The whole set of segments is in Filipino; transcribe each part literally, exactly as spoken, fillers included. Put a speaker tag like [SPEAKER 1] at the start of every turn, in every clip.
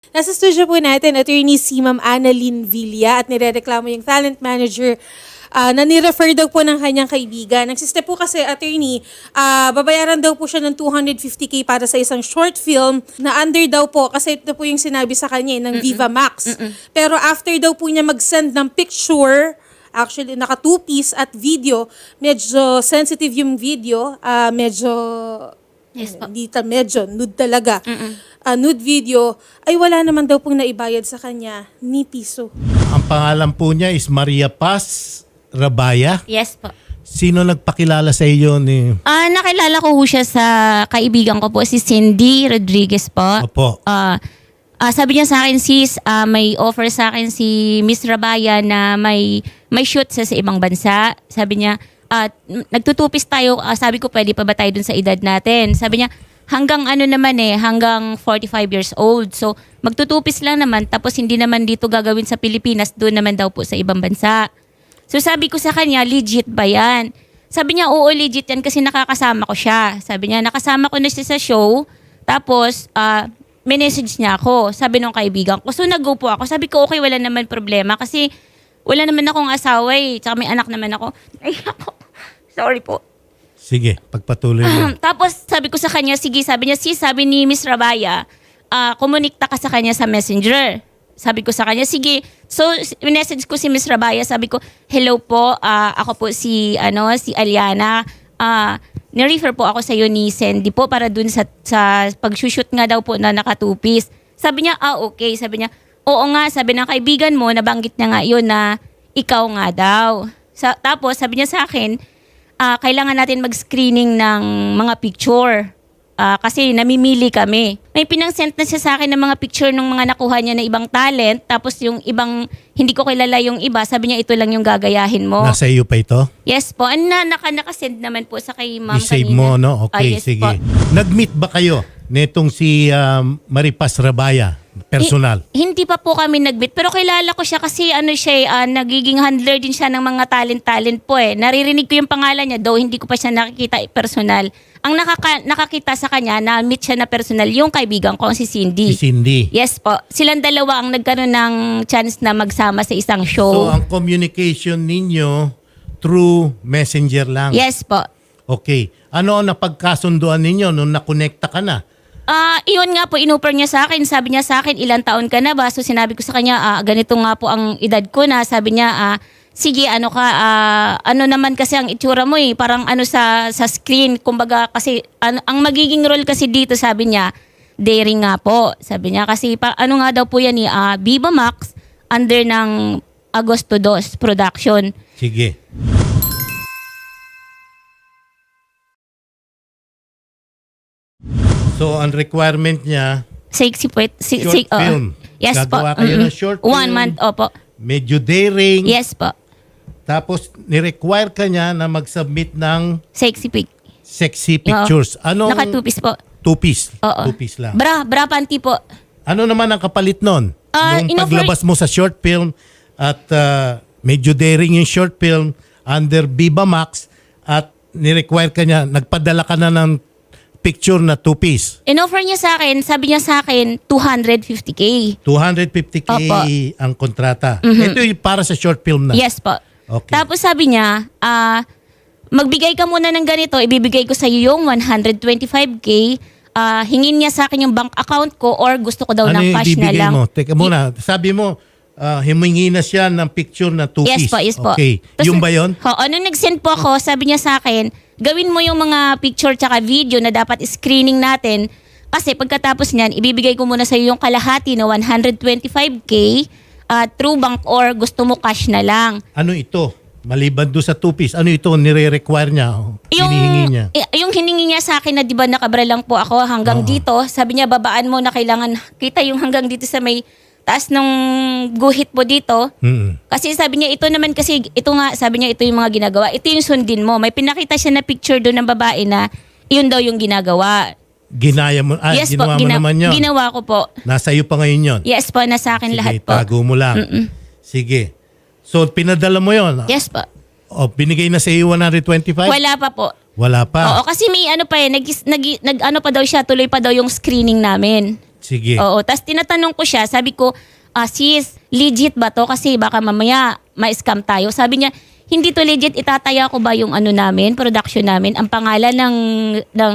[SPEAKER 1] Nasa studio po natin, attorney si Ma'am Annalyn Villa at nirereklamo yung talent manager ah, na nirefer daw po ng kanyang kaibigan. Nagsiste po kasi, attorney, ah, babayaran daw po siya ng two hundred fifty K para sa isang short film na under daw po, kasi ito po yung sinabi sa kanya eh, ng Viva Max. Pero after daw po niya mag-send ng picture, actually naka two-piece at video, medyo sensitive yung video, ah, medyo
[SPEAKER 2] Yes po.
[SPEAKER 1] hindi ta medyo nude talaga.
[SPEAKER 2] Mm-mm.
[SPEAKER 1] Ah, nude video, ay wala naman daw pong naibayad sa kanya ni piso.
[SPEAKER 3] Ang pangalan po niya is Maria Paz Rabaya.
[SPEAKER 2] Yes po.
[SPEAKER 3] Sino nagpakilala sa iyo ni...
[SPEAKER 2] Ah, nakilala ko ho siya sa kaibigan ko po, si Cindy Rodriguez po.
[SPEAKER 3] Opo.
[SPEAKER 2] Ah, ah, sabi niya sa akin, sis, ah, may offer sa akin si Miss Rabaya na may may shoot sa, sa ibang bansa. Sabi niya, at nagtutupis tayo, ah, sabi ko, pwede pa ba tayo dun sa edad natin? Sabi niya, hanggang ano naman eh, hanggang forty-five years old. So, magtutupis lang naman, tapos hindi naman dito gagawin sa Pilipinas, doon naman daw po sa ibang bansa. So, sabi ko sa kanya, legit ba yan? Sabi niya, oo, legit yan kasi nakakasama ko siya. Sabi niya, nakasama ko na siya sa show, tapos, ah, may message niya ako, sabi nung kaibigan ko. So, nag-go po ako. Sabi ko, okay, wala naman problema kasi wala naman akong asawa eh, tsaka may anak naman ako. Ay, ako. Sorry po.
[SPEAKER 3] Sige, pagpatuloy mo.
[SPEAKER 2] Tapos sabi ko sa kanya, sige, sabi niya, si sabi ni Miss Rabaya, ah, kumunikta ka sa kanya sa messenger. Sabi ko sa kanya, sige. So, message ko si Miss Rabaya, sabi ko, hello po, ah, ako po si, ano, si Aliana. Ah, ni-refer po ako sa iyo ni Sandy po para dun sa, sa pag-shoot nga daw po na nakatupis. Sabi niya, ah, okay. Sabi niya, oo nga, sabi ng kaibigan mo, nabanggit niya nga yun na ikaw nga daw. Sa, tapos, sabi niya sa akin, Ah, kailangan natin mag-screening ng mga picture. Ah, kasi namimili kami. May pinang-send na siya sa akin ng mga picture ng mga nakuha niya na ibang talent. Tapos yung ibang, hindi ko kilala yung iba. Sabi niya, ito lang yung gagayahin mo.
[SPEAKER 3] Nasa iyo pa ito?
[SPEAKER 2] Yes po. Ano na, naka, nakasend naman po sa kay ma'am
[SPEAKER 3] I-save
[SPEAKER 2] kanina.
[SPEAKER 3] mo, no?
[SPEAKER 2] Ah,
[SPEAKER 3] Okay,
[SPEAKER 2] yes
[SPEAKER 3] sige.
[SPEAKER 2] po.
[SPEAKER 3] Nag-meet ba kayo netong si um, Maripas Rabaya? Personal?
[SPEAKER 2] Eh, hindi pa po kami nag-meet. Pero kilala ko siya kasi ano siya, eh, ah, nagiging handler din siya ng mga talent-talent po eh. Naririnig ko yung pangalan niya, though hindi ko pa siya nakikita eh, personal. Ang nakaka- nakakita sa kanya, na-meet siya na personal, yung kaibigan ko, si Cindy.
[SPEAKER 3] Si Cindy.
[SPEAKER 2] Yes po. Silang dalawa ang nagkaroon ng chance na magsama sa isang show.
[SPEAKER 3] So, ang communication ninyo through messenger lang?
[SPEAKER 2] Yes po.
[SPEAKER 3] Okay. Ano ang napagkasunduan ninyo nung nakonekta ka na?
[SPEAKER 2] Ah, iyon nga po, inoffer niya sa akin. Sabi niya sa akin, ilang taon ka na ba? So sinabi ko sa kanya, ah, ganito nga po ang edad ko na. Sabi niya, ah, sige, ano ka, ah, ano naman kasi ang itsura mo eh. Parang ano sa sa screen. Kumbaga kasi, ano, ang magiging role kasi dito, sabi niya, daring nga po. Sabi niya kasi, pa, ano nga daw po yan eh, ah, Viva Max under ng Agosto dos Production.
[SPEAKER 3] Sige. So, ang requirement niya,
[SPEAKER 2] Sexy po. Si,
[SPEAKER 3] short
[SPEAKER 2] si- oo.
[SPEAKER 3] film.
[SPEAKER 2] Yes
[SPEAKER 3] Gagawa
[SPEAKER 2] po.
[SPEAKER 3] kayo
[SPEAKER 2] Mm-mm.
[SPEAKER 3] ng short
[SPEAKER 2] One
[SPEAKER 3] film.
[SPEAKER 2] month, opo.
[SPEAKER 3] medyo daring.
[SPEAKER 2] Yes po.
[SPEAKER 3] Tapos, ni-require ka niya na mag-submit ng
[SPEAKER 2] Sexy pic.
[SPEAKER 3] sexy pictures. Ano?
[SPEAKER 2] Nakatupis po.
[SPEAKER 3] Two-piece.
[SPEAKER 2] Oo.
[SPEAKER 3] Two-piece lang.
[SPEAKER 2] Bra, bra panty po.
[SPEAKER 3] Ano naman ang kapalit nun?
[SPEAKER 2] Ah,
[SPEAKER 3] Nung
[SPEAKER 2] inoffer-
[SPEAKER 3] paglabas mo sa short film at ah, medyo daring yung short film under Viva Max at ni-require ka niya, nagpadala ka na ng picture na two-piece.
[SPEAKER 2] In-offer niya sa akin, sabi niya sa akin, two hundred fifty K.
[SPEAKER 3] two hundred fifty K
[SPEAKER 2] Opo.
[SPEAKER 3] ang kontrata. Ito yung para sa short film na.
[SPEAKER 2] Yes po.
[SPEAKER 3] Okay.
[SPEAKER 2] Tapos sabi niya, ah, magbigay ka muna ng ganito, ibibigay ko sa iyo yung one hundred twenty-five K. Ah, hingin niya sa akin yung bank account ko or gusto ko daw
[SPEAKER 3] ano
[SPEAKER 2] ng
[SPEAKER 3] yung
[SPEAKER 2] cash na
[SPEAKER 3] ibibigay
[SPEAKER 2] lang.
[SPEAKER 3] mo? Teka muna, sabi mo, ah, himingi na siya ng picture na two-piece.
[SPEAKER 2] Yes po, yes po.
[SPEAKER 3] Okay.
[SPEAKER 2] Tas-
[SPEAKER 3] yung ba yun?
[SPEAKER 2] Oo, nung nag-send po ako, sabi niya sa akin, gawin mo yung mga picture tsaka video na dapat screening natin. Kasi pagkatapos niyan, ibibigay ko muna sa iyo yung kalahati na one hundred twenty-five K uh, through bank or gusto mo cash na lang.
[SPEAKER 3] Ano ito? Maliban doon sa two-piece, ano ito nire-require niya? Hinihingi niya?
[SPEAKER 2] y- yung hiningi niya sa akin na di ba nakabra lang po ako hanggang
[SPEAKER 3] Oo.
[SPEAKER 2] dito, sabi niya babaan mo na kailangan kita yung hanggang dito sa may taas ng guhit mo dito.
[SPEAKER 3] Mm-mm.
[SPEAKER 2] Kasi sabi niya, ito naman kasi, ito nga, sabi niya, ito yung mga ginagawa. Ito yung sundin mo. May pinakita siya na picture doon ng babae na yun daw yung ginagawa.
[SPEAKER 3] Ginaya mo, ah,
[SPEAKER 2] yes po,
[SPEAKER 3] ginawa mo
[SPEAKER 2] gina-
[SPEAKER 3] naman yun.
[SPEAKER 2] ginawa ko po.
[SPEAKER 3] Nasa iyo pa ngayon yun.
[SPEAKER 2] Yes po, nasa akin
[SPEAKER 3] Sige,
[SPEAKER 2] lahat po.
[SPEAKER 3] tago mo lang.
[SPEAKER 2] Mm-mm.
[SPEAKER 3] Sige. So, pinadala mo yun?
[SPEAKER 2] Yes po.
[SPEAKER 3] O, binigay na sa iyo one hundred twenty-five?
[SPEAKER 2] Wala pa po.
[SPEAKER 3] Wala pa.
[SPEAKER 2] Oo, kasi may ano pa eh, nag, nag, nag ano pa daw siya, tuloy pa daw yung screening namin.
[SPEAKER 3] Sige.
[SPEAKER 2] Oo. Tapos tinatanong ko siya, sabi ko, ah, sis, legit ba to? Kasi baka mamaya ma-scam tayo. Sabi niya, hindi to legit. Itataya ko ba yung ano namin, production namin, ang pangalan ng, ng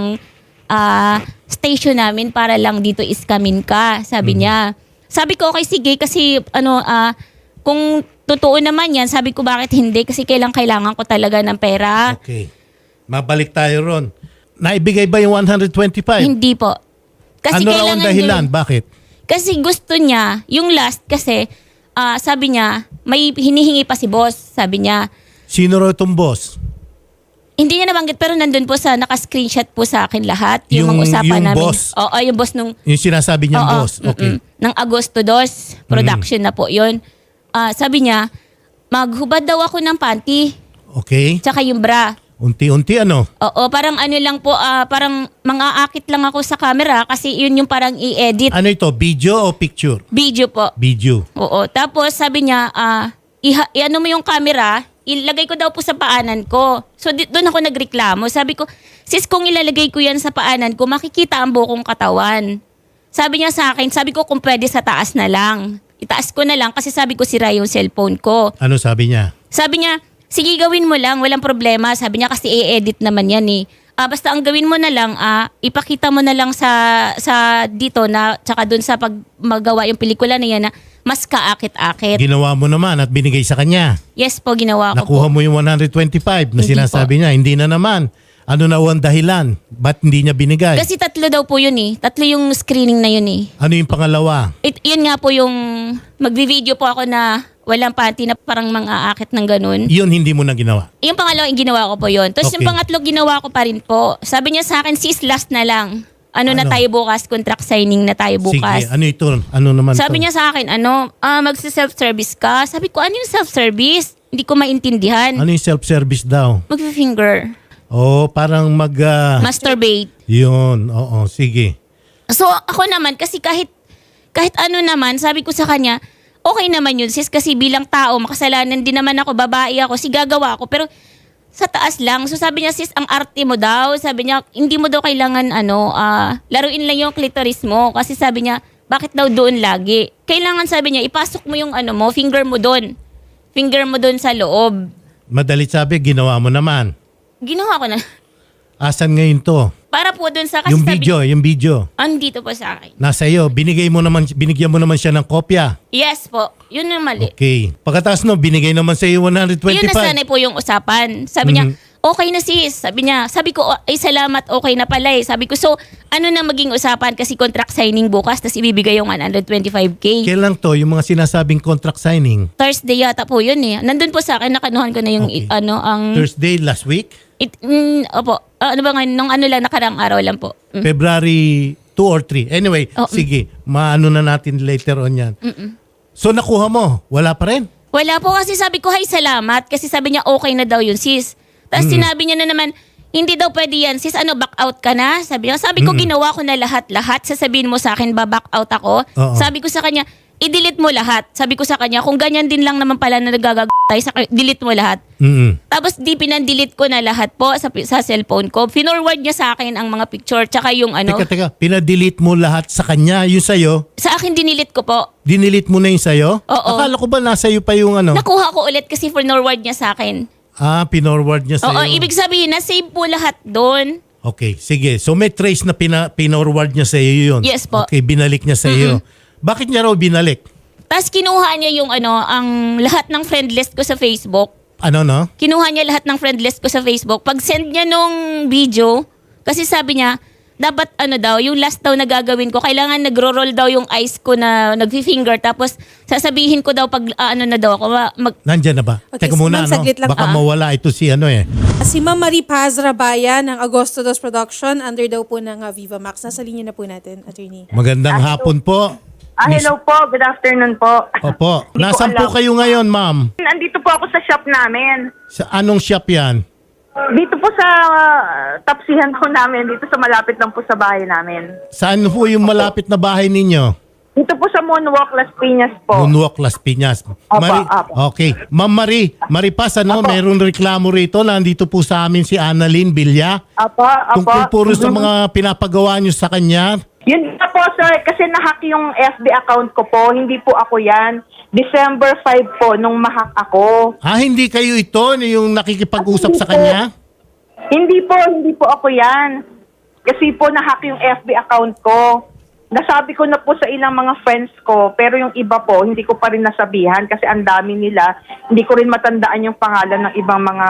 [SPEAKER 2] ah, station namin para lang dito iskamin ka. Sabi
[SPEAKER 3] Mm.
[SPEAKER 2] niya. Sabi ko, okay, sige. Kasi ano, ah, kung totoo naman yan, sabi ko, bakit hindi? Kasi kailang kailangan ko talaga ng pera.
[SPEAKER 3] Okay. Mabalik tayo ron. Naibigay ba yung one hundred twenty-five?
[SPEAKER 2] Hindi po. Kasi
[SPEAKER 3] ano raw ang
[SPEAKER 2] kailangan
[SPEAKER 3] dahilan?
[SPEAKER 2] gawin-
[SPEAKER 3] Bakit?
[SPEAKER 2] Kasi gusto niya, yung last kasi, ah, sabi niya, may hinihingi pa si boss, sabi niya.
[SPEAKER 3] Sino raw itong boss?
[SPEAKER 2] Hindi niya nabanggit pero nandun po sa, naka-screenshot po sa akin lahat. Yung,
[SPEAKER 3] Yung-
[SPEAKER 2] mga usapan
[SPEAKER 3] yung
[SPEAKER 2] namin.
[SPEAKER 3] boss?
[SPEAKER 2] Oo, yung boss nung,
[SPEAKER 3] Yung sinasabi niyang
[SPEAKER 2] oo,
[SPEAKER 3] boss. Okay.
[SPEAKER 2] mm-mm, ng Agosto dos, production na po yun. Ah, sabi niya, maghubad daw ako ng panty,
[SPEAKER 3] Okay.
[SPEAKER 2] tsaka yung bra.
[SPEAKER 3] Unti-unti ano?
[SPEAKER 2] Oo, parang ano lang po, ah, parang mangaakit lang ako sa camera kasi yun yung parang i-edit.
[SPEAKER 3] Ano ito? Video o picture?
[SPEAKER 2] Video po.
[SPEAKER 3] Video.
[SPEAKER 2] Oo. Tapos sabi niya, ah, iha- i-ano mo yung camera, ilagay ko daw po sa paanan ko. So di- doon ako nagreklamo. Sabi ko, sis, kung ilalagay ko yan sa paanan ko, makikita ang bukong katawan. Sabi niya sa akin, sabi ko kung pwede sa taas na lang. Itaas ko na lang kasi sabi ko sira yung cellphone ko.
[SPEAKER 3] Ano sabi niya?
[SPEAKER 2] Sabi niya, sige gawin mo lang, walang problema. Sabi niya kasi i-edit naman yan eh. Ah, basta ang gawin mo na lang, ah, ipakita mo na lang sa sa dito na tsaka doon sa pag magawa yung pelikula na yan na mas kaakit-akit.
[SPEAKER 3] Ginawa mo naman at binigay sa kanya.
[SPEAKER 2] Yes po, ginawa ko
[SPEAKER 3] Nakuha
[SPEAKER 2] po.
[SPEAKER 3] mo yung one hundred twenty-five na
[SPEAKER 2] Hindi
[SPEAKER 3] sinasabi niya. Hindi na naman. Ano na ang dahilan? Ba't hindi niya binigay?
[SPEAKER 2] Kasi tatlo daw po yun eh. Tatlo yung screening na yun eh.
[SPEAKER 3] Ano yung pangalawa?
[SPEAKER 2] It, yun nga po yung magvi-video po ako na walang panty na parang mang-aakit ng ganun.
[SPEAKER 3] Yun hindi mo na ginawa.
[SPEAKER 2] Yung pangalawa, yung ginawa ko po yun. Tapos
[SPEAKER 3] Okay.
[SPEAKER 2] yung pangatlo, ginawa ko pa rin po. Sabi niya sa akin, sis, last na lang. Ano, na
[SPEAKER 3] Ano?
[SPEAKER 2] tayo bukas? Contract signing na tayo bukas.
[SPEAKER 3] Sige, ano ito? Ano naman
[SPEAKER 2] Sabi
[SPEAKER 3] to?
[SPEAKER 2] niya sa akin, ano, ah, magsi-self-service ka. Sabi ko, ano yung self-service? Hindi ko maintindihan.
[SPEAKER 3] Ano yung self-service daw?
[SPEAKER 2] Mag-finger.
[SPEAKER 3] Oh, parang mag... ah,
[SPEAKER 2] Masturbate.
[SPEAKER 3] yun, oo, sige.
[SPEAKER 2] So ako naman, kasi kahit, kahit ano naman, sabi ko sa kanya, okay naman yun sis, kasi bilang tao, makasalanan din naman ako, babae ako, si gagawa ako. Pero sa taas lang. So sabi niya, sis, ang arte mo daw. Sabi niya, hindi mo daw kailangan, ano, ah, laruin lang yung clitoris mo. Kasi sabi niya, bakit daw doon lagi? Kailangan, sabi niya, ipasok mo yung ano mo, finger mo doon. Finger mo doon sa loob.
[SPEAKER 3] Madalit sabi, ginawa mo naman.
[SPEAKER 2] Ginawa ko na.
[SPEAKER 3] Asan ngayon to?
[SPEAKER 2] Para po doon sa, kasi
[SPEAKER 3] Yung
[SPEAKER 2] sabi,
[SPEAKER 3] video, yung video.
[SPEAKER 2] andito po sa akin.
[SPEAKER 3] Nasa iyo, binigay mo naman, binigyan mo naman siya ng kopya.
[SPEAKER 2] Yes po, yun yung mali.
[SPEAKER 3] Okay. Pagkatapos no, binigay naman sa iyo one hundred
[SPEAKER 2] Yun na
[SPEAKER 3] twenty-five.
[SPEAKER 2] sana po yung usapan. Sabi niya,
[SPEAKER 3] Mhm.
[SPEAKER 2] okay na sis. Sabi niya, sabi ko, ay salamat, okay na pala eh. Sabi ko, so ano na maging usapan kasi contract signing bukas tapos ibibigay yung one hundred twenty-five K.
[SPEAKER 3] Kailan to, yung mga sinasabing contract signing?
[SPEAKER 2] Thursday yata po yun eh. Nandun po sa akin, nakanuhan ko na yung
[SPEAKER 3] Okay.
[SPEAKER 2] i- ano, ang...
[SPEAKER 3] Thursday last week?
[SPEAKER 2] It, mm, opo, Ah, ano ba nga, nung ano lang, nakarang araw lang po. Mm.
[SPEAKER 3] February two or three. Anyway,
[SPEAKER 2] Oh, mm.
[SPEAKER 3] sige, maano na natin later on yan. So nakuha mo, wala pa rin?
[SPEAKER 2] Wala po kasi sabi ko, hay salamat. Kasi sabi niya, okay na daw yun sis. Tapos sinabi niya na naman, hindi daw pwede yan. Sis, ano, back out ka na? Sabi niya, sabi ko, ginawa ko na lahat-lahat. Sasabihin mo sa akin, ba-back out ako?
[SPEAKER 3] Oo.
[SPEAKER 2] Sabi ko sa kanya, i-delete mo lahat. Sabi ko sa kanya, kung ganyan din lang naman pala na nagagag tayo, sa, delete mo lahat.
[SPEAKER 3] Mm.
[SPEAKER 2] Tapos di pinan-delete ko na lahat po sa, sa cellphone ko. Finorward niya sa akin ang mga picture, tsaka yung ano.
[SPEAKER 3] Teka, teka, pinadelete mo lahat sa kanya, yung sa'yo,
[SPEAKER 2] Sa akin dinilit ko po.
[SPEAKER 3] dinelete mo na yung sa'yo?
[SPEAKER 2] Oo.
[SPEAKER 3] Akala ko ba nasa iyo pa yung ano?
[SPEAKER 2] Nakuha ko ulit kasi finorward niya sa akin.
[SPEAKER 3] Ah, pinorward niya
[SPEAKER 2] Oo,
[SPEAKER 3] sa'yo.
[SPEAKER 2] ibig sabihin, na-save po lahat doon.
[SPEAKER 3] Okay, sige. So may trace na pina, pinorward niya sa iyo yun?
[SPEAKER 2] Yes po.
[SPEAKER 3] Okay, binalik niya sa iyo. Bakit niya raw binalik?
[SPEAKER 2] Tapos kinuha niya yung ano, ang lahat ng friend list ko sa Facebook.
[SPEAKER 3] Ano no?
[SPEAKER 2] Kinuha niya lahat ng friend list ko sa Facebook. Pag send niya nung video, kasi sabi niya, dapat ano daw, yung last daw na gagawin ko, kailangan nagro-roll daw yung eyes ko na nagfi-finger. Tapos sasabihin ko daw pag ah, ano na daw ako, ma- mag,
[SPEAKER 3] Nandyan na ba?
[SPEAKER 1] Okay,
[SPEAKER 3] Teka
[SPEAKER 1] so
[SPEAKER 3] muna,
[SPEAKER 1] ma'am,
[SPEAKER 3] ano?
[SPEAKER 1] saglit lang.
[SPEAKER 3] Baka
[SPEAKER 2] Ah.
[SPEAKER 3] mawala ito si ano eh.
[SPEAKER 1] Si Ma'am Marie Paz Rabaya ng Agosto dos Production, under daw po ng uh, Viva Max. Nasa linya na po natin, attorney.
[SPEAKER 3] Magandang hapon po.
[SPEAKER 4] Ah, hello po. Good afternoon po.
[SPEAKER 3] Opo.
[SPEAKER 4] Hindi ko
[SPEAKER 3] Nasaan po
[SPEAKER 4] alam.
[SPEAKER 3] kayo ngayon, ma'am?
[SPEAKER 4] Nandito po ako sa shop namin.
[SPEAKER 3] Sa anong shop yan?
[SPEAKER 4] Dito po sa uh, tapsihan po namin. Dito sa malapit lang po sa bahay namin.
[SPEAKER 3] Saan po yung malapit na bahay ninyo?
[SPEAKER 4] Dito po sa Moonwalk, Las Piñas po.
[SPEAKER 3] Moonwalk, Las Piñas. Mari-
[SPEAKER 4] apo.
[SPEAKER 3] Okay. Ma'am Marie, Maripas, ano, mayroong reklamo rito. Nandito po sa amin si Annalyn Villa.
[SPEAKER 4] Apo, apo.
[SPEAKER 3] Tungkol puro sa mga pinapagawa nyo sa kanya.
[SPEAKER 4] Yun nga po, sir, kasi nahack yung F B account ko po. Hindi po ako yan. December fifth po, nung mahack ako.
[SPEAKER 3] Ah, hindi kayo ito yung nakikipag-usap sa kanya?
[SPEAKER 4] Hindi po, hindi po ako yan. Kasi po nahack yung F B account ko. Nasabi ko na po sa ilang mga friends ko, pero yung iba po, hindi ko pa rin nasabihan kasi ang dami nila. Hindi ko rin matandaan yung pangalan ng ibang mga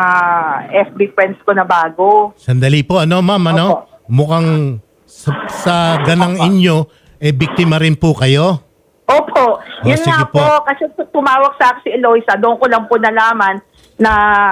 [SPEAKER 4] F B friends ko na bago.
[SPEAKER 3] Sandali po, ano ma'am, ano?
[SPEAKER 4] Opo.
[SPEAKER 3] Mukhang sa, sa ganang inyo, eh, biktima rin po kayo?
[SPEAKER 4] Opo,
[SPEAKER 3] Oh,
[SPEAKER 4] yun
[SPEAKER 3] sige
[SPEAKER 4] nga
[SPEAKER 3] po.
[SPEAKER 4] po. Kasi tumawag sa akin si Eloisa, doon ko lang po nalaman na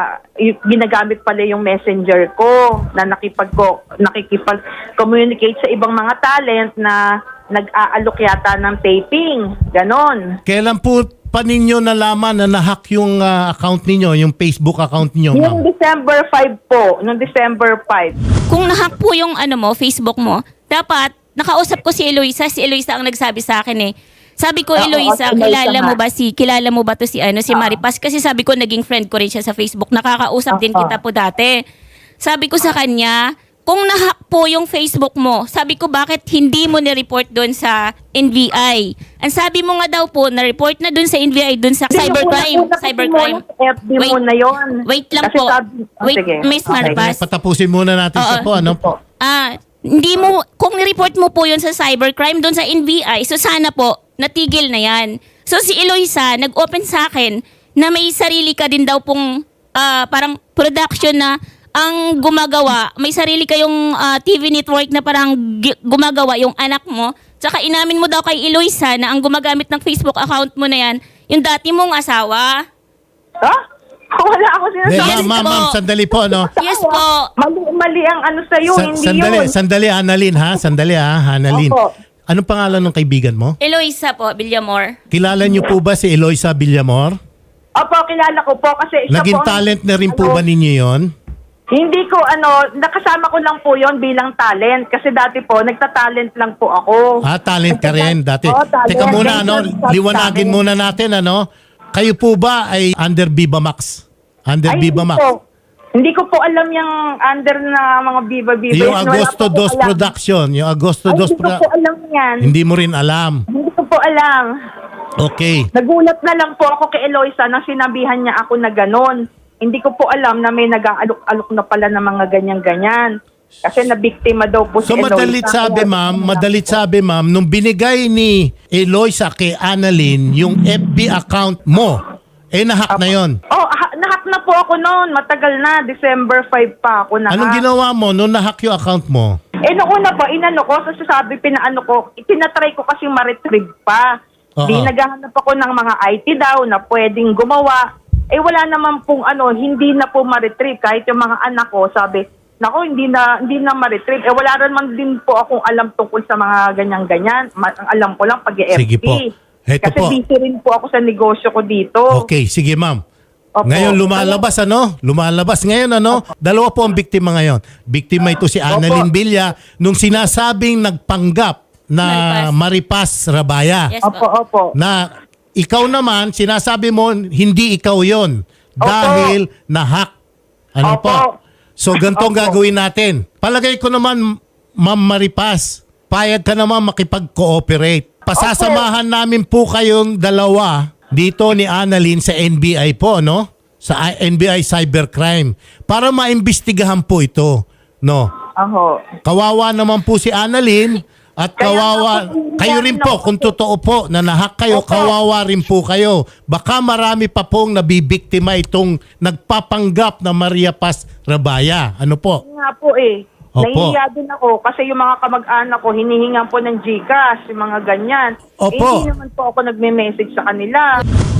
[SPEAKER 4] y- ginagamit pala yung messenger ko na nakipag nakikipag-communicate sa ibang mga talent na nag-aalok yata ng taping. Ganon.
[SPEAKER 3] Kailan po pa ninyo nalaman na nahack yung ah, account ninyo, yung Facebook account ninyo, ma'am?
[SPEAKER 4] Yung December fifth po, nung December fifth.
[SPEAKER 2] Kung nahack po yung ano mo, Facebook mo, dapat nakausap ko si Eloisa. Si Eloisa ang nagsabi sa akin eh. Sabi ko,
[SPEAKER 4] Oo,
[SPEAKER 2] Eloisa,
[SPEAKER 4] si Eloisa
[SPEAKER 2] kilala mo
[SPEAKER 4] nga.
[SPEAKER 2] ba si kilala mo ba to si ano si Maripas? Kasi sabi ko naging friend ko rin siya sa Facebook. Nakakausap din
[SPEAKER 4] Oo.
[SPEAKER 2] kita po dati. Sabi ko sa kanya, kung nahack po yung Facebook mo, sabi ko bakit hindi mo ni-report doon sa N B I? Ang sabi mo nga daw po, na-report na doon sa N B I, doon sa cybercrime.
[SPEAKER 4] Una- una kasi
[SPEAKER 2] Cybercrime.
[SPEAKER 4] muna sa F B muna yun.
[SPEAKER 2] Wait lang
[SPEAKER 4] Kasi
[SPEAKER 2] po.
[SPEAKER 4] sabi- oh,
[SPEAKER 2] Wait,
[SPEAKER 4] sige.
[SPEAKER 2] Miss
[SPEAKER 4] Okay.
[SPEAKER 2] Maripas.
[SPEAKER 3] Patapusin muna natin
[SPEAKER 2] Oo.
[SPEAKER 3] siya po, ano?
[SPEAKER 4] Po.
[SPEAKER 2] Ah, hindi mo, kung ni-report mo po yun sa cybercrime doon sa N B I, so sana po, natigil na yan. So si Eloisa, nag-open sa akin na may sarili ka din daw pong ah, parang production na ang gumagawa, may sarili kayong ah, T V network na parang gi- gumagawa yung anak mo. Tsaka inamin mo daw kay Eloisa na ang gumagamit ng Facebook account mo na yan, yung dati mong asawa.
[SPEAKER 4] Ha? Wala ako
[SPEAKER 3] Hindi,
[SPEAKER 4] sinasabi.
[SPEAKER 2] Yes
[SPEAKER 3] ma'am, ma'am,
[SPEAKER 2] po.
[SPEAKER 3] ma'am, sandali po, ano?
[SPEAKER 2] Yes po.
[SPEAKER 4] Mali, mali ang ano sa'yo,
[SPEAKER 3] Sa-
[SPEAKER 4] hindi
[SPEAKER 3] sandali,
[SPEAKER 4] yun.
[SPEAKER 3] sandali, Annalyn, ha? Sandali, ha? Annalyn.
[SPEAKER 4] Opo.
[SPEAKER 3] Anong pangalan ng kaibigan mo?
[SPEAKER 2] Eloisa po, Villamor.
[SPEAKER 3] Kilala niyo po ba si Eloisa Villamor?
[SPEAKER 4] Opo, kilala ko po kasi isa
[SPEAKER 3] Naging
[SPEAKER 4] po ang-
[SPEAKER 3] talent na rin po
[SPEAKER 4] ano,
[SPEAKER 3] ba ninyo yon?
[SPEAKER 4] Hindi ko ano, nakasama ko lang po yon bilang talent kasi dati po nagta-talent lang po ako.
[SPEAKER 3] Ah, talent ka rin dati.
[SPEAKER 4] Oo, talent.
[SPEAKER 3] Teka muna, ano,
[SPEAKER 4] Ganyan,
[SPEAKER 3] liwanagin
[SPEAKER 4] talent.
[SPEAKER 3] muna natin, ano? Kayo po ba ay under Viva Max? Under
[SPEAKER 4] Ay,
[SPEAKER 3] Viva
[SPEAKER 4] hindi
[SPEAKER 3] Max?
[SPEAKER 4] po. Hindi ko po alam yung under na mga Viva Viva.
[SPEAKER 3] Yung
[SPEAKER 4] Wala
[SPEAKER 3] Agosto
[SPEAKER 4] po ko
[SPEAKER 3] dos
[SPEAKER 4] alam.
[SPEAKER 3] Production, yung Agosto
[SPEAKER 4] Ay,
[SPEAKER 3] dos
[SPEAKER 4] hindi ko po
[SPEAKER 3] Production.
[SPEAKER 4] alam yan.
[SPEAKER 3] Hindi mo rin alam.
[SPEAKER 4] Hindi ko po alam.
[SPEAKER 3] Okay.
[SPEAKER 4] Nagulat na lang po ako kay Eloisa nang sinabihan niya ako na ganon. Hindi ko po alam na may nag-aalok-alok na pala ng mga ganyan-ganyan. Kasi nabiktima daw po
[SPEAKER 3] So
[SPEAKER 4] si Eloisa.
[SPEAKER 3] madalit sabi ma'am, madalit sabi ma'am, nung binigay ni Eloisa kay Annalyn yung F B account mo, eh nahack na yon.
[SPEAKER 4] Oh, ha- nahack na po ako noon. Matagal na. December fifth pa ako nahack.
[SPEAKER 3] Anong ginawa mo nung nahack yung account mo?
[SPEAKER 4] Eh, noong una po, inano ko, so sabi, pinaano ko, itinatry ko kasi ma-retrieve pa.
[SPEAKER 3] Oo.
[SPEAKER 4] Di naghahanap ako ng mga I T daw na pwedeng gumawa. Eh, wala naman pong ano, hindi na po ma-retrieve. Kahit yung mga anak ko, sabi, nako, hindi na, hindi na ma-retrieve. Eh, wala rin man din po akong alam tungkol sa mga ganyan-ganyan. Ma- ang alam ko lang pag-E F T.
[SPEAKER 3] Sige po. Heto
[SPEAKER 4] Kasi
[SPEAKER 3] po.
[SPEAKER 4] busy rin po ako sa negosyo ko dito.
[SPEAKER 3] Okay, sige ma'am.
[SPEAKER 4] Opo.
[SPEAKER 3] Ngayon lumalabas ano? Lumalabas ngayon ano? Dalawa po ang biktima ngayon. Biktima ito si Annalyn Villa nung sinasabing nagpanggap na Maripas Rabaya.
[SPEAKER 2] Yes
[SPEAKER 4] Opo,
[SPEAKER 2] po.
[SPEAKER 4] opo.
[SPEAKER 3] Na ikaw naman sinasabi mo hindi ikaw 'yon dahil na-hack. Ano
[SPEAKER 4] Opo.
[SPEAKER 3] po? So ganitong
[SPEAKER 4] Opo.
[SPEAKER 3] gagawin natin. Palagay ko naman Ma'am Maripas, payag ka naman makipag-cooperate. Pasasamahan namin po kayong dalawa dito ni Annalyn sa N B I po, no? Sa I- N B I Cybercrime para maimbestigahan po ito, no?
[SPEAKER 4] Aho.
[SPEAKER 3] Kawawa naman po si Annalyn at
[SPEAKER 4] Kaya
[SPEAKER 3] kawawa
[SPEAKER 4] nga po,
[SPEAKER 3] kayo rin po
[SPEAKER 4] ako-
[SPEAKER 3] kung totoo po na nahack kayo,
[SPEAKER 4] Opo.
[SPEAKER 3] kawawa rin po kayo. Baka marami pa pong nabibiktima itong nagpapanggap na Maria Paz Rabaya. Ano po?
[SPEAKER 4] Yun nga po eh.
[SPEAKER 3] Opo.
[SPEAKER 4] Nahihiya din ako kasi yung mga kamag-anak ko hinihingan po ng GCash, yung mga ganyan.
[SPEAKER 3] Opo.
[SPEAKER 4] Eh, hindi naman po ako nagme-message sa kanila.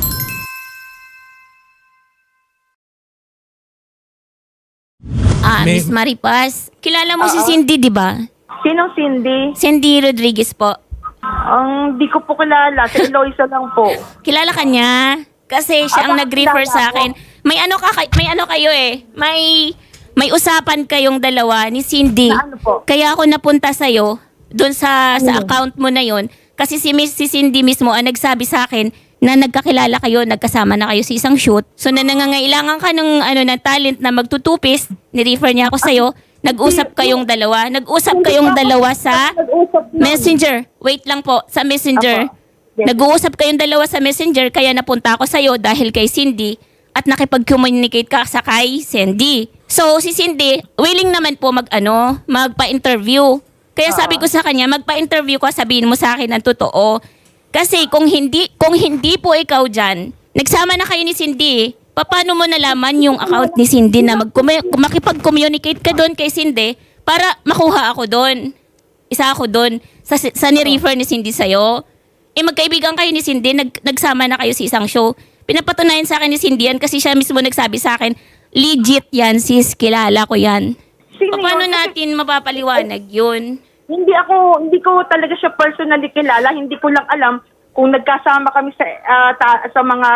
[SPEAKER 2] Ah,
[SPEAKER 3] May-
[SPEAKER 2] Miss Maripas. Kilala mo si
[SPEAKER 4] Oo.
[SPEAKER 2] Cindy, di ba?
[SPEAKER 4] Sinong Cindy?
[SPEAKER 2] Cindy Rodriguez po.
[SPEAKER 4] Ang di ko po kilala. Si Eloisa lang po.
[SPEAKER 2] Kilala ka niya? Kasi siya ang
[SPEAKER 4] Ah,
[SPEAKER 2] nag-refer
[SPEAKER 4] kilala
[SPEAKER 2] sa
[SPEAKER 4] ko.
[SPEAKER 2] akin. May ano ka may ano kayo eh. May may usapan kayong dalawa ni Cindy.
[SPEAKER 4] Na ano po?
[SPEAKER 2] Kaya ako napunta sa iyo doon sa sa account mo na yon kasi si Miss si Cindy mismo ang nagsabi sa akin na nagkakilala kayo, nagkasama na kayo sa isang shoot. So na nangangailangan ka ng ano ng talent na magtutupis, ni-refer niya ako sa iyo. Nag-usap kayong dalawa. Nag-usap
[SPEAKER 4] Hindi
[SPEAKER 2] kayong
[SPEAKER 4] pa ako
[SPEAKER 2] dalawa sa
[SPEAKER 4] nag-usap nun.
[SPEAKER 2] Messenger. Wait lang po, sa Messenger.
[SPEAKER 4] Apo. Yes.
[SPEAKER 2] Nag-uusap kayong dalawa sa Messenger kaya napunta ako sa'yo dahil kay Cindy at nakipag-communicate ka sa kay Cindy. So si Cindy, willing naman po mag-ano, magpa-interview. Kaya sabi ko sa kanya, magpa-interview ka, sabihin mo sa akin ang totoo. Kasi kung hindi kung hindi po ikaw dyan, nagsama na kayo ni Cindy, paano mo nalaman yung account ni Cindy na mag makipag-communicate ka doon kay Cindy para makuha ako doon? Isa ako doon sa, sa ni-refer ni Cindy sa'yo. Eh magkaibigan kayo ni Cindy, nag, nagsama na kayo sa isang show. Pinapatunayan sa akin ni Cindy yan kasi siya mismo nagsabi sa akin, legit yan sis, kilala ko yan.
[SPEAKER 4] Sino
[SPEAKER 2] Paano
[SPEAKER 4] yun? Kasi
[SPEAKER 2] natin mapapaliwanag yun?
[SPEAKER 4] Hindi ako, hindi ko talaga siya personally kilala. Hindi ko lang alam kung nagkasama kami sa ah, ta- sa mga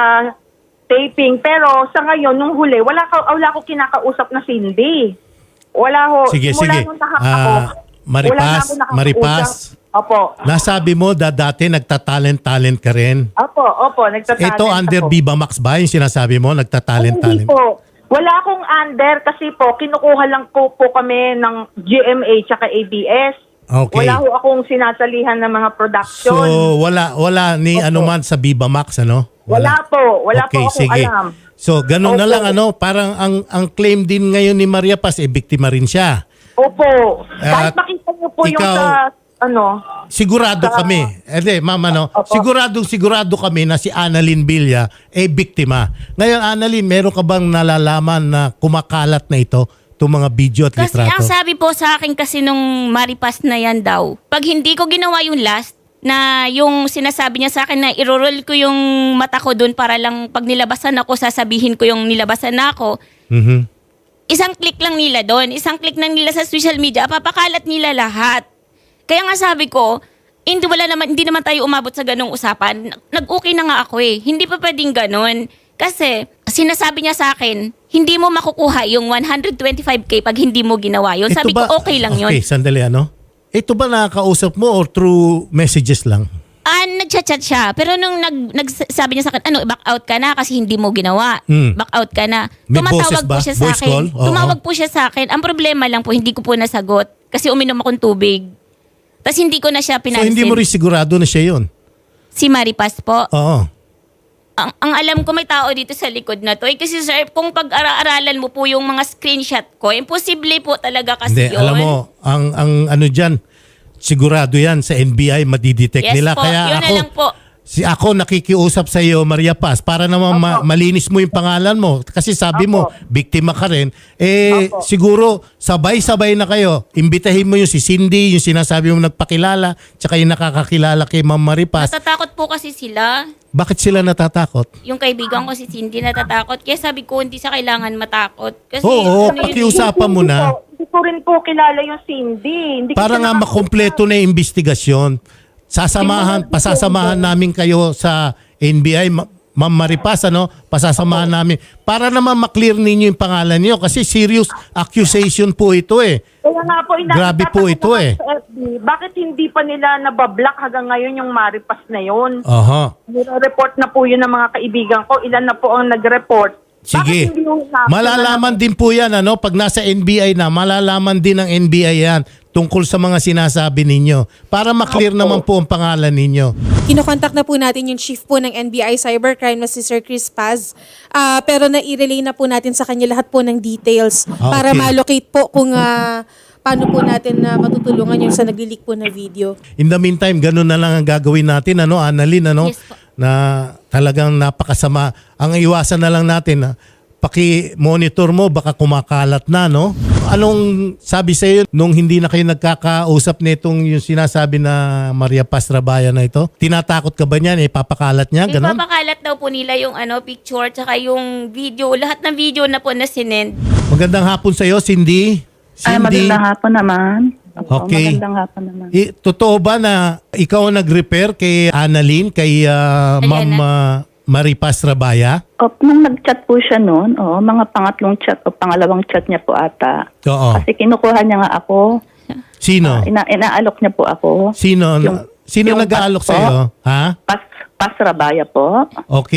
[SPEAKER 4] taping. Pero sa ngayon, nung huli, wala, ka, wala ko kinakausap na Cindy. Wala ho.
[SPEAKER 3] Sige,
[SPEAKER 4] Mula
[SPEAKER 3] sige.
[SPEAKER 4] nung naka-
[SPEAKER 3] Ah,
[SPEAKER 4] ako,
[SPEAKER 3] Maripas,
[SPEAKER 4] wala na ako nakakausap.
[SPEAKER 3] Maripas.
[SPEAKER 4] Opo.
[SPEAKER 3] Nasabi mo da dati nagtatalent-talent ka rin.
[SPEAKER 4] Opo, opo. Nagtatalent
[SPEAKER 3] Ito under
[SPEAKER 4] ako.
[SPEAKER 3] Viva Max ba yung sinasabi mo?
[SPEAKER 4] Hindi
[SPEAKER 3] Nagtatalent-talent?
[SPEAKER 4] po. Wala akong under kasi po, kinukuha lang po po kami ng G M A tsaka A B S.
[SPEAKER 3] Okay.
[SPEAKER 4] Wala ho akong sinasalihan ng mga production.
[SPEAKER 3] So wala wala ni
[SPEAKER 4] Opo.
[SPEAKER 3] ano man sa Viva Max ano?
[SPEAKER 4] wala po. Wala
[SPEAKER 3] Okay,
[SPEAKER 4] po akong
[SPEAKER 3] sige.
[SPEAKER 4] alam.
[SPEAKER 3] So ganun na
[SPEAKER 4] Opo.
[SPEAKER 3] lang ano, parang ang ang claim din ngayon ni Maria Paz eh biktima rin siya.
[SPEAKER 4] Opo.
[SPEAKER 3] At
[SPEAKER 4] Kahit makita niyo po yung
[SPEAKER 3] ikaw-
[SPEAKER 4] sa, ano,
[SPEAKER 3] Sigurado
[SPEAKER 4] Sa-
[SPEAKER 3] kami. Eh di, ma'am ano,
[SPEAKER 4] Opo.
[SPEAKER 3] sigurado sigurado kami na si Annalyn Villa eh biktima. Ngayon Annalyn, meron ka bang nalalaman na kumakalat na ito, itong mga video at
[SPEAKER 2] Kasi
[SPEAKER 3] litrato?
[SPEAKER 2] ang sabi po sa akin kasi nung Maripas na yan daw, pag hindi ko ginawa yung last, na yung sinasabi niya sa akin na irorol ko yung mata ko doon para lang pag nilabasan ako, sasabihin ko yung nilabasan na ako,
[SPEAKER 3] Mhm.
[SPEAKER 2] isang click lang nila doon, isang click lang nila sa social media, papakalat nila lahat. Kaya nga sabi ko, hindi wala naman hindi naman tayo umabot sa ganung usapan. Nag-okay na nga ako eh. Hindi pa pwedeng ganon. Kasi sinasabi niya sa akin, hindi mo makukuha yung one hundred twenty-five K pag hindi mo ginawa yun.
[SPEAKER 3] Ito
[SPEAKER 2] Sabi
[SPEAKER 3] ba-
[SPEAKER 2] ko, okay lang yun.
[SPEAKER 3] Okay, sandali ano? Ito ba nakakausap mo or through messages lang?
[SPEAKER 2] Ah, nag-chat-chat siya. Pero nung nag, nagsabi niya sa akin, ano, back out ka na kasi hindi mo ginawa.
[SPEAKER 3] Hmm.
[SPEAKER 2] Back out ka na.
[SPEAKER 3] May boses
[SPEAKER 2] Tumatawag
[SPEAKER 3] ba?
[SPEAKER 2] po siya sa
[SPEAKER 3] Voice
[SPEAKER 2] akin.
[SPEAKER 3] call? Oo.
[SPEAKER 2] Tumawag po siya sa akin. Ang problema lang po, hindi ko po nasagot. Kasi uminom akong tubig. Tapos hindi ko na siya
[SPEAKER 3] So
[SPEAKER 2] pinansin.
[SPEAKER 3] hindi mo rin sigurado na siya yun?
[SPEAKER 2] Si Maripas po.
[SPEAKER 3] Oo.
[SPEAKER 2] Ang, ang alam ko may tao dito sa likod na to. Eh, kasi sir, kung pag-aralan mo po yung mga screenshot ko, imposible po talaga kasi
[SPEAKER 3] Hindi,
[SPEAKER 2] yun.
[SPEAKER 3] alam mo, ang, ang ano dyan, sigurado yan sa N B I, madidetect
[SPEAKER 2] Yes
[SPEAKER 3] nila.
[SPEAKER 2] po,
[SPEAKER 3] Kaya
[SPEAKER 2] yun na
[SPEAKER 3] ako,
[SPEAKER 2] lang po.
[SPEAKER 3] si ako nakikiusap sa iyo, Maria Paz, para naman ma- malinis mo yung pangalan mo. Kasi sabi mo,
[SPEAKER 4] Opo.
[SPEAKER 3] biktima ka rin. Eh,
[SPEAKER 4] Opo.
[SPEAKER 3] siguro, sabay-sabay na kayo. Imbitahin mo yung si Cindy, yung sinasabi mo nagpakilala, tsaka yung nakakakilala kay Ma'am Maria Paz.
[SPEAKER 2] Natatakot po kasi sila.
[SPEAKER 3] Bakit sila natatakot?
[SPEAKER 2] Yung kaibigan ko si Cindy natatakot. Kaya sabi ko, hindi sa kailangan matakot. Kasi
[SPEAKER 3] Oo,
[SPEAKER 2] ano yun,
[SPEAKER 3] pakiusapan mo
[SPEAKER 4] Hindi
[SPEAKER 3] na.
[SPEAKER 4] po- Hindi ko rin po kilala yung Cindy. Hindi ko
[SPEAKER 3] Para
[SPEAKER 4] siya
[SPEAKER 3] nga
[SPEAKER 4] nakakausap.
[SPEAKER 3] makumpleto na yung investigasyon. Sasamahan, pasasamahan namin kayo sa N B I, Ma- Ma'am Maripas, ano? Pasasamahan namin. Para naman maklear ninyo yung pangalan niyo kasi serious accusation po ito eh.
[SPEAKER 4] Kaya nga po, ina-
[SPEAKER 3] Grabe po
[SPEAKER 4] itatanong
[SPEAKER 3] ito
[SPEAKER 4] ko
[SPEAKER 3] eh.
[SPEAKER 4] Sa F B, bakit hindi pa nila nabablock hanggang ngayon yung Maripas na yun?
[SPEAKER 3] Aha.
[SPEAKER 4] Nire-report na po yun ng mga kaibigan ko. Ilan na po ang nag-report.
[SPEAKER 3] Sige.
[SPEAKER 4] Bakit hindi yung na-
[SPEAKER 3] Malalaman din po yan, ano? Pag nasa N B I na, malalaman din ng N B I yan tungkol sa mga sinasabi ninyo. Para maklear naman po ang pangalan ninyo.
[SPEAKER 1] Kinokontak na po natin yung chief po ng N B I Cybercrime na si Sir Chris Paz. Ah, pero na-relay na po natin sa kanya lahat po ng details
[SPEAKER 3] Ah,
[SPEAKER 1] para
[SPEAKER 3] okay.
[SPEAKER 1] ma-locate po kung ah, paano po natin na matutulungan yung sa nagli-leak po na video.
[SPEAKER 3] In the meantime, ganun na lang ang gagawin natin, ano, Annalyn, ano?
[SPEAKER 2] Yes po.
[SPEAKER 3] Na talagang napakasama. Ang iwasan na lang natin, na paki-monitor mo, baka kumakalat na, no? Anong sabi sa iyo nung hindi na kayo nagkakausap nitong yung sinasabi na Maria Paz Rabaya na ito? Tinatakot ka ba niyan? Eh, papakalat niya? Ganon?
[SPEAKER 2] Ipapakalat daw po nila yung ano picture tsaka yung video. Lahat ng video na po na sinend.
[SPEAKER 3] Magandang hapon sa iyo, Cindy.
[SPEAKER 5] Ay,
[SPEAKER 3] Cindy,
[SPEAKER 5] magandang hapon naman. Opo,
[SPEAKER 3] Okay.
[SPEAKER 5] Magandang hapon naman.
[SPEAKER 3] i- totoo ba na ikaw ang nag-repair kay Annalyn, kay ah, Ma'am
[SPEAKER 2] Ayan
[SPEAKER 3] ah, Maria Paz Rabaya?
[SPEAKER 5] O, nung nag-chat po siya noon, oh, mga pangatlong chat o pangalawang chat niya po ata.
[SPEAKER 3] Oo.
[SPEAKER 5] Kasi kinukuha niya nga ako,
[SPEAKER 3] Sino?
[SPEAKER 5] ina inaalok niya po ako.
[SPEAKER 3] Sino?
[SPEAKER 5] Yung-
[SPEAKER 3] sino
[SPEAKER 5] yung
[SPEAKER 3] nag-aalok
[SPEAKER 5] pas
[SPEAKER 3] sa
[SPEAKER 5] po.
[SPEAKER 3] iyo? Ha?
[SPEAKER 5] Pas, Pas Rabaya po.
[SPEAKER 3] Okay.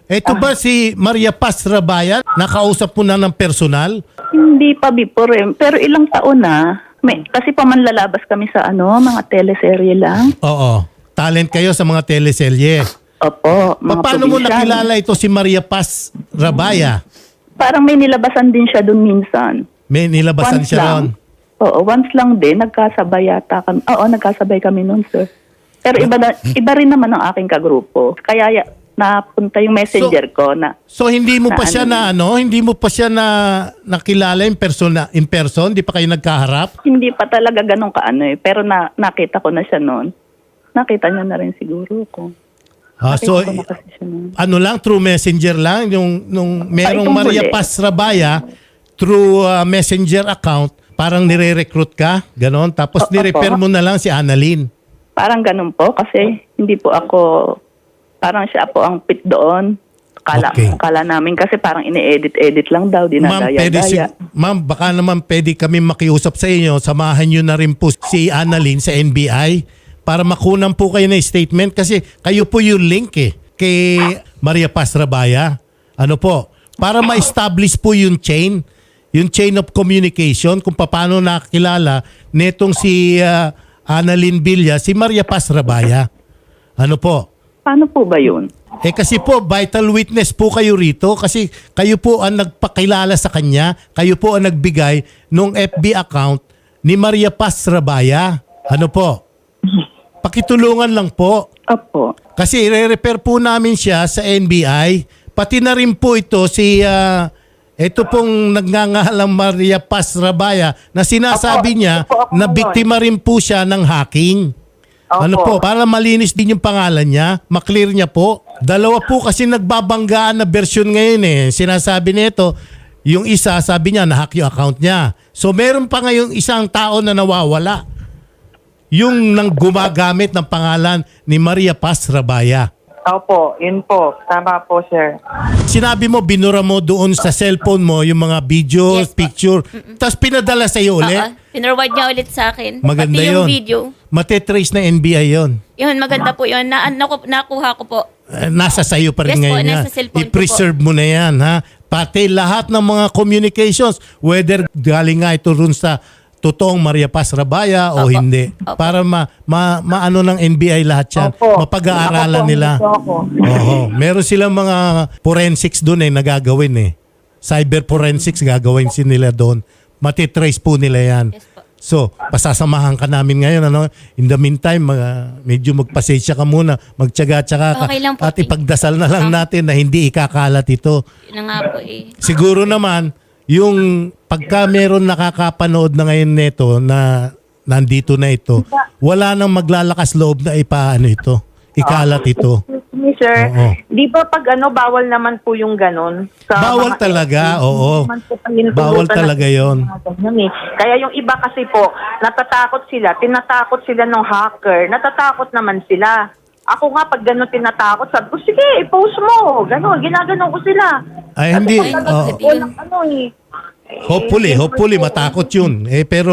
[SPEAKER 3] Ito ba si Maria Paz Rabaya? Nakausap mo na ng personal?
[SPEAKER 5] Hindi pa before eh. Pero ilang taon na. May, kasi pamanlalabas kami sa ano, mga teleserye lang.
[SPEAKER 3] Oo. Talent kayo sa mga teleserye.
[SPEAKER 5] Opo, mga
[SPEAKER 3] Paano mo
[SPEAKER 5] probinsyano.
[SPEAKER 3] nakilala ito si Maria Paz Rabaya?
[SPEAKER 5] Parang may nilabasan din siya doon minsan.
[SPEAKER 3] May nilabasan
[SPEAKER 5] Once
[SPEAKER 3] siya ron.
[SPEAKER 5] lang. Oo, once lang din. Nagkasabay yata kami. Oo, nagkasabay kami noon, sir. Pero iba, na, iba rin naman ang aking kagrupo. Kaya ya- napunta yung messenger
[SPEAKER 3] So-
[SPEAKER 5] ko na
[SPEAKER 3] So hindi mo pa
[SPEAKER 5] Na
[SPEAKER 3] siya
[SPEAKER 5] ano
[SPEAKER 3] na ano, hindi mo pa siya na nakilala in person, in person, di pa kayo nagkaharap?
[SPEAKER 5] hindi pa talaga ganun kaano eh. Pero na, nakita ko na siya noon. Nakita niya na rin siguro ko.
[SPEAKER 3] Ah,
[SPEAKER 5] Nakita
[SPEAKER 3] so
[SPEAKER 5] ko na kasi siya noon.
[SPEAKER 3] ano lang through messenger lang yung nung merong
[SPEAKER 5] itong
[SPEAKER 3] Maria
[SPEAKER 5] huli.
[SPEAKER 3] Paz Rabaya through uh, messenger account, parang nire-recruit ka, ganon, tapos
[SPEAKER 5] Opo.
[SPEAKER 3] ni-refer mo na lang si Annalyn.
[SPEAKER 5] Parang ganun po kasi hindi po ako, parang siya po ang pit doon. Kala,
[SPEAKER 3] Okay.
[SPEAKER 5] kala namin kasi parang ini-edit-edit lang daw,
[SPEAKER 3] Ma'am, pwede si,
[SPEAKER 5] dinadaya-daya.
[SPEAKER 3] ma'am, baka naman pwede kami makiusap sa inyo, samahan nyo na rin po si Annalyn sa N B I para makunan po kayo ng statement kasi kayo po yung link eh kay Maria Paz Rabaya. Ano po? Para ma-establish po yung chain, yung chain of communication kung paano nakakilala netong si uh, Annalyn Villa, si Maria Paz Rabaya. Ano po?
[SPEAKER 5] Paano po ba yun?
[SPEAKER 3] Eh kasi po, vital witness po kayo rito kasi kayo po ang nagpakilala sa kanya, kayo po ang nagbigay nung F B account ni Maria Paz Rabaya. Ano po? Pakitulungan lang po.
[SPEAKER 5] Opo.
[SPEAKER 3] Kasi i-refer po namin siya sa N B I. Pati na rin po ito si, ah, ito pong nagngangalang Maria Paz Rabaya na sinasabi
[SPEAKER 4] Opo,
[SPEAKER 3] niya
[SPEAKER 4] opo, opo,
[SPEAKER 3] na
[SPEAKER 4] yun.
[SPEAKER 3] biktima rin po siya ng hacking.
[SPEAKER 4] Opo.
[SPEAKER 3] Ano po, para malinis din yung pangalan niya, maklear niya po. Dalawa po kasi nagbabanggaan na version ngayon eh. Sinasabi nito, yung isa sabi niya na-hack yung account niya. So meron pa ngayong isang tao na nawawala. Yung nang gumagamit ng pangalan ni Maria Paz Rabaya.
[SPEAKER 4] Opo, yun po. Tama po, sir.
[SPEAKER 3] Sinabi mo, binura mo doon sa cellphone mo yung mga video,
[SPEAKER 2] Yes, po.
[SPEAKER 3] picture, tapos pinadala sa iyo ulit.
[SPEAKER 2] Oo, pinarward niya ulit sa akin.
[SPEAKER 3] Maganda
[SPEAKER 2] Pati
[SPEAKER 3] yun.
[SPEAKER 2] yung video.
[SPEAKER 3] Matetrace na N B I yun.
[SPEAKER 2] Yun, maganda po yun. Na, naku, nakuha ko po.
[SPEAKER 3] Eh, nasa sayo pa rin
[SPEAKER 2] Yes po,
[SPEAKER 3] ngayon yan.
[SPEAKER 2] nasa cellphone ko
[SPEAKER 3] I-preserve mo na yan, ha? Pati lahat ng mga communications, whether galing nga ito rin sa totoong Maria Paz Rabaya o
[SPEAKER 2] Opo.
[SPEAKER 3] hindi.
[SPEAKER 2] Opo.
[SPEAKER 3] Para ma, ma, maano ng N B I lahat yan.
[SPEAKER 4] Opo.
[SPEAKER 3] Mapag-aaralan
[SPEAKER 4] Opo,
[SPEAKER 3] nila.
[SPEAKER 4] opo.
[SPEAKER 3] Oo. Meron silang mga forensics doon eh, nagagawin eh. Cyber forensics gagawin sin nila doon. Matitrace po nila yan.
[SPEAKER 2] Yes po.
[SPEAKER 3] So, pasasamahan ka namin ngayon. Ano? In the meantime, mga, medyo magpasensya ka muna. Magtyaga-tyaga ka.
[SPEAKER 2] Okay lang po,
[SPEAKER 3] At
[SPEAKER 2] thank you.
[SPEAKER 3] ipagdasal na lang natin na hindi ikakalat ito.
[SPEAKER 2] Yun na nga po eh.
[SPEAKER 3] Siguro naman, yung pagka meron nakakapanood na ngayon nito na nandito na ito, wala nang maglalakas loob na ipaano ito. Ikalat ito.
[SPEAKER 4] Excuse me, sir.
[SPEAKER 3] Oo.
[SPEAKER 4] Di ba pag ano, bawal naman po yung ganun? Sa
[SPEAKER 3] Bawal
[SPEAKER 4] mga-
[SPEAKER 3] talaga, oo.
[SPEAKER 4] Naman po pinutulutan
[SPEAKER 3] Bawal
[SPEAKER 4] ng-
[SPEAKER 3] talaga yon.
[SPEAKER 4] mga ganyan eh. Kaya yung iba kasi po, natatakot sila, tinatakot sila ng hacker, natatakot naman sila. Ako nga, pag gano'n tinatakot, sabi ko, sige, i-post mo. Gano'n, ginaganon ko sila.
[SPEAKER 3] Ay, hindi.
[SPEAKER 4] Kasi pag
[SPEAKER 3] Oo.
[SPEAKER 4] ano, walang ano eh.
[SPEAKER 3] Hopefully,
[SPEAKER 4] Eh,
[SPEAKER 3] hopefully matakot yun. Eh pero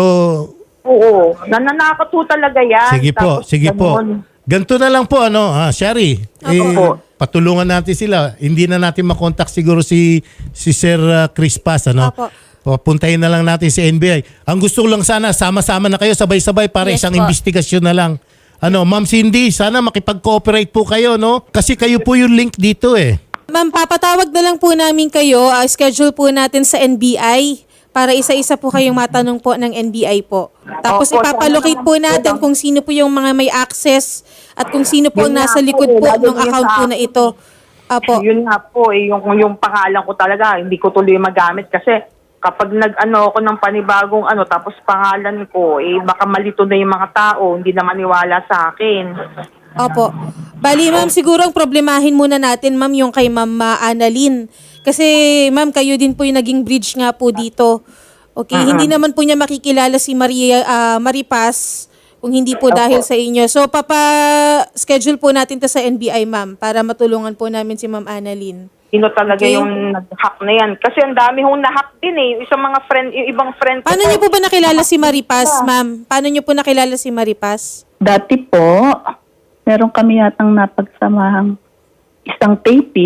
[SPEAKER 4] Oo, nananakot po talaga yan.
[SPEAKER 3] sige po,
[SPEAKER 4] Tapos
[SPEAKER 3] sige po.
[SPEAKER 4] ganun.
[SPEAKER 3] Ganito na lang po ano, ah, Shari. Eh,
[SPEAKER 4] Opo.
[SPEAKER 3] patulungan natin sila. Hindi na natin makontak siguro si si Sir ah, Chris Paz, ano?
[SPEAKER 1] Opo.
[SPEAKER 3] Papuntahin na lang natin si N B I. Ang gusto ko lang sana sama-sama na kayo sabay-sabay para
[SPEAKER 2] Yes
[SPEAKER 3] isang
[SPEAKER 2] po.
[SPEAKER 3] investigasyon na lang. Ano, Ma'am Cindy, sana makipag-cooperate po kayo, no? Kasi kayo po yung link dito eh.
[SPEAKER 1] Ma'am, papatawag na lang po namin kayo. Ah, schedule po natin sa N B I para isa-isa po kayong matanong po ng N B I po. Tapos
[SPEAKER 4] Opo,
[SPEAKER 1] ipapalocate
[SPEAKER 4] sana
[SPEAKER 1] po
[SPEAKER 4] naman po
[SPEAKER 1] natin
[SPEAKER 4] lang.
[SPEAKER 1] kung sino po yung mga may access at kung sino po ang
[SPEAKER 4] Yun nga
[SPEAKER 1] nasa
[SPEAKER 4] po
[SPEAKER 1] likod
[SPEAKER 4] eh,
[SPEAKER 1] po
[SPEAKER 4] lalo
[SPEAKER 1] ng
[SPEAKER 4] yun
[SPEAKER 1] account
[SPEAKER 4] sa
[SPEAKER 1] po na
[SPEAKER 4] akin
[SPEAKER 1] ito. Apo.
[SPEAKER 4] Yun nga po eh, yung, yung pangalan ko talaga, hindi ko tuloy magamit kasi kapag nag-ano ako ng panibagong ano, tapos pangalan ko, eh baka malito na yung mga tao, hindi na maniwala sa akin.
[SPEAKER 1] Opo. Bali, ma'am, siguro ang problemahin muna natin, ma'am, yung kay Ma'am ah, Annalyn. Kasi, ma'am, kayo din po yung naging bridge nga po dito. Okay, hindi naman po niya makikilala si Maria ah, Maripaz kung hindi po dahil sa inyo. So, papa-schedule po natin to sa N B I, ma'am, para matulungan po namin si Ma'am Annalyn.
[SPEAKER 4] Sino talaga
[SPEAKER 1] Okay.
[SPEAKER 4] yung nag-hack na yan? Kasi ang dami hong na-hack din eh. Yung isang mga friend, yung ibang friend ko.
[SPEAKER 1] Paano niyo po ba nakilala si Maripaz, ma'am? Paano niyo po nakilala si Maripaz?
[SPEAKER 5] Dati po, meron kami yatang napagsamahang isang taping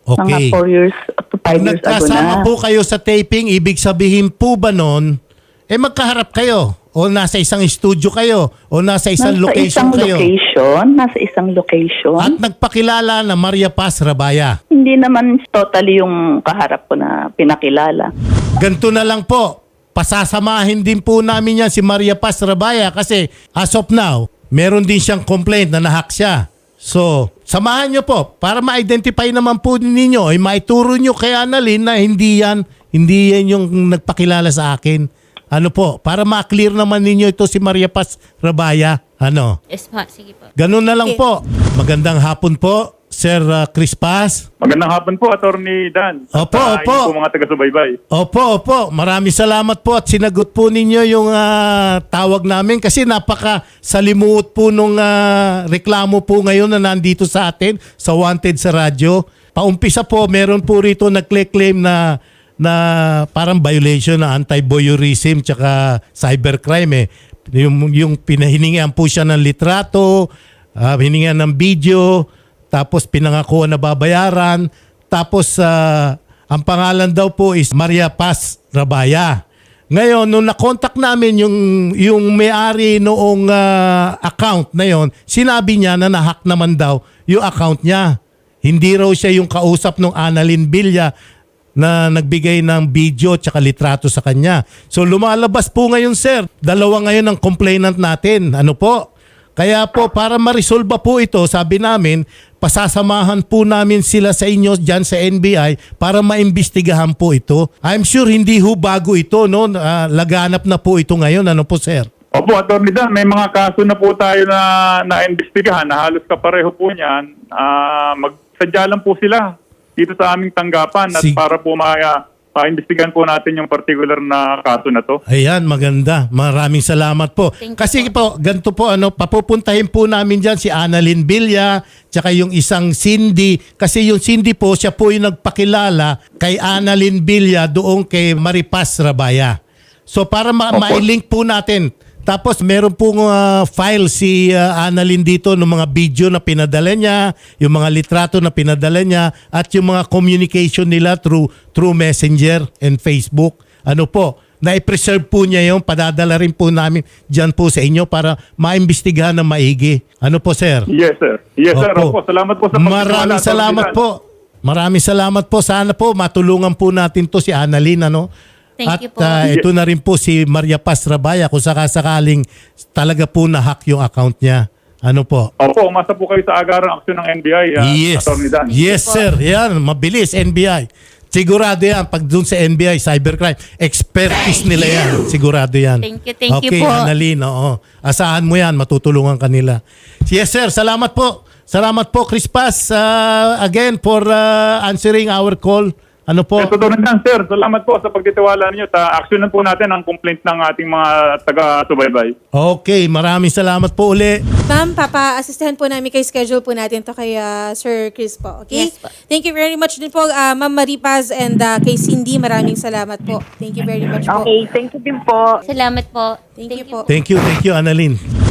[SPEAKER 3] Okay.
[SPEAKER 5] Mga four years to
[SPEAKER 3] Pag
[SPEAKER 5] five years ago
[SPEAKER 3] nagkasama
[SPEAKER 5] na.
[SPEAKER 3] po kayo sa taping, ibig sabihin po ba nun, eh magkaharap kayo? O nasa isang studio kayo? O nasa isang
[SPEAKER 5] nasa
[SPEAKER 3] location
[SPEAKER 5] isang
[SPEAKER 3] kayo?
[SPEAKER 5] location, nasa isang location.
[SPEAKER 3] At nagpakilala na Maria Paz Rabaya.
[SPEAKER 5] Hindi naman totally yung kaharap ko na pinakilala.
[SPEAKER 3] Ganito na lang po, pasasamahin din po namin yan si Maria Paz Rabaya kasi as of now, meron din siyang complaint na nahack siya. So, samahan nyo po para ma-identify naman po ninyo ay maituro nyo kay Annalyn na hindi yan, hindi yan yung nagpakilala sa akin. Ano po, para ma-clear naman ninyo ito si Maria Paz Rabaya. Ano?
[SPEAKER 2] Yes po, sige po.
[SPEAKER 3] Ganun na lang
[SPEAKER 1] Okay.
[SPEAKER 3] po. Magandang hapon po, Sir uh, Chris Paz.
[SPEAKER 6] Magandang hapon po, Attorney Dan.
[SPEAKER 3] Opo,
[SPEAKER 6] At, ah,
[SPEAKER 3] opo.
[SPEAKER 6] inyo po mga taga-subaybay.
[SPEAKER 3] Opo, opo. Maraming salamat po at sinagot po ninyo yung ah, tawag namin kasi napaka salimuot po nung ah, reklamo po ngayon na nandito sa atin sa Wanted sa radyo. Paumpisa po, meron po rito nag-claim na na parang violation na anti-voyeurism tsaka cybercrime eh. Yung, yung pinahiningan po siya ng litrato, uh, hiningan ng video, tapos pinangakuan na babayaran, tapos ah, ang pangalan daw po is Maria Paz Rabaya. Ngayon, nung na-contact namin yung, yung may-ari noong ah, account na yon, sinabi niya na nahack naman daw yung account niya. Hindi raw siya yung kausap ng Annalyn Villa na nagbigay ng video tsaka litrato sa kanya. So lumalabas po ngayon, sir. Dalawa ngayon ang complainant natin. Ano po? Kaya po, para ma-resolve po ito, sabi namin, pasasamahan po namin sila sa inyo dyan sa N B I para maimbestigahan po ito. I'm sure hindi ho bago ito, no? Ah, laganap na po ito ngayon. Ano po, sir?
[SPEAKER 6] Opo, Attorney Dan, may mga kaso na po tayo na na-investigahan na halos kapareho po niyan. Ah, magsadya lang po sila dito sa aming tanggapan at
[SPEAKER 3] Sig-
[SPEAKER 6] para po ma- ma-investigahan po natin yung particular na kaso na to.
[SPEAKER 3] Ayan, maganda. Maraming salamat po.
[SPEAKER 2] Thank you
[SPEAKER 3] Kasi po, ganito po, ano, papupuntahin po namin dyan si Annalyn Villa, tsaka yung isang Cindy. Kasi yung Cindy po, siya po yung nagpakilala kay Annalyn Villa doon kay Maripaz Rabaya. So para ma-
[SPEAKER 6] Opo.
[SPEAKER 3] ma-link po natin. Tapos meron pong uh, file si uh, Annalyn dito ng mga video na pinadala niya, yung mga litrato na pinadala niya, at yung mga communication nila through through Messenger and Facebook. Ano po, na-preserve po niya yung padadala rin po namin dyan po sa inyo para maimbestigahan ng maigi. Ano po, sir?
[SPEAKER 6] Yes, sir. Yes, sir. Opo. Salamat po sa pagtitiwala,
[SPEAKER 3] Maraming
[SPEAKER 6] Attorney
[SPEAKER 3] salamat
[SPEAKER 6] Dan.
[SPEAKER 3] po. Maraming salamat po. Sana po matulungan po natin to si Annalyn, ano?
[SPEAKER 2] Thank
[SPEAKER 3] At
[SPEAKER 2] you po.
[SPEAKER 3] ah, ito na rin po si Maria Paz Rabaya kung sakasakaling talaga po na-hack yung account niya. Ano po?
[SPEAKER 6] Opo, umasa po kayo sa agarang aksyon ng N B I, ah,
[SPEAKER 3] Yes.
[SPEAKER 6] Attorney Dan.
[SPEAKER 3] Yes, sir. Yan, mabilis, N B I. Sigurado yan. Pag dun sa N B I, cybercrime, expertise nila yan. Sigurado yan.
[SPEAKER 2] Thank you, thank you
[SPEAKER 3] okay,
[SPEAKER 2] po.
[SPEAKER 3] Annalyn, oo. Asahan mo yan, matutulungan kanila. Yes, sir. Salamat po. Salamat po, Chris Paz, ah, again, for ah, answering our call. Ano po?
[SPEAKER 6] Yes, Attorney Dan, sir. Salamat po sa pagtitiwala ninyo. Ta aksyonan po natin ang complaint ng ating mga taga-subaybay.
[SPEAKER 3] Okay, maraming salamat po uli.
[SPEAKER 1] Ma'am, papa-assistahan po namin kay schedule po natin to kay ah, Sir Chris po. Okay?
[SPEAKER 2] Yes po.
[SPEAKER 1] Thank you very much din po, ah, Ma'am Maripaz and ah, kay Cindy. Maraming salamat po. Thank you very much po.
[SPEAKER 4] Okay, thank you din po.
[SPEAKER 2] Salamat po.
[SPEAKER 1] Thank you po.
[SPEAKER 3] Thank you, thank you, Annalyn.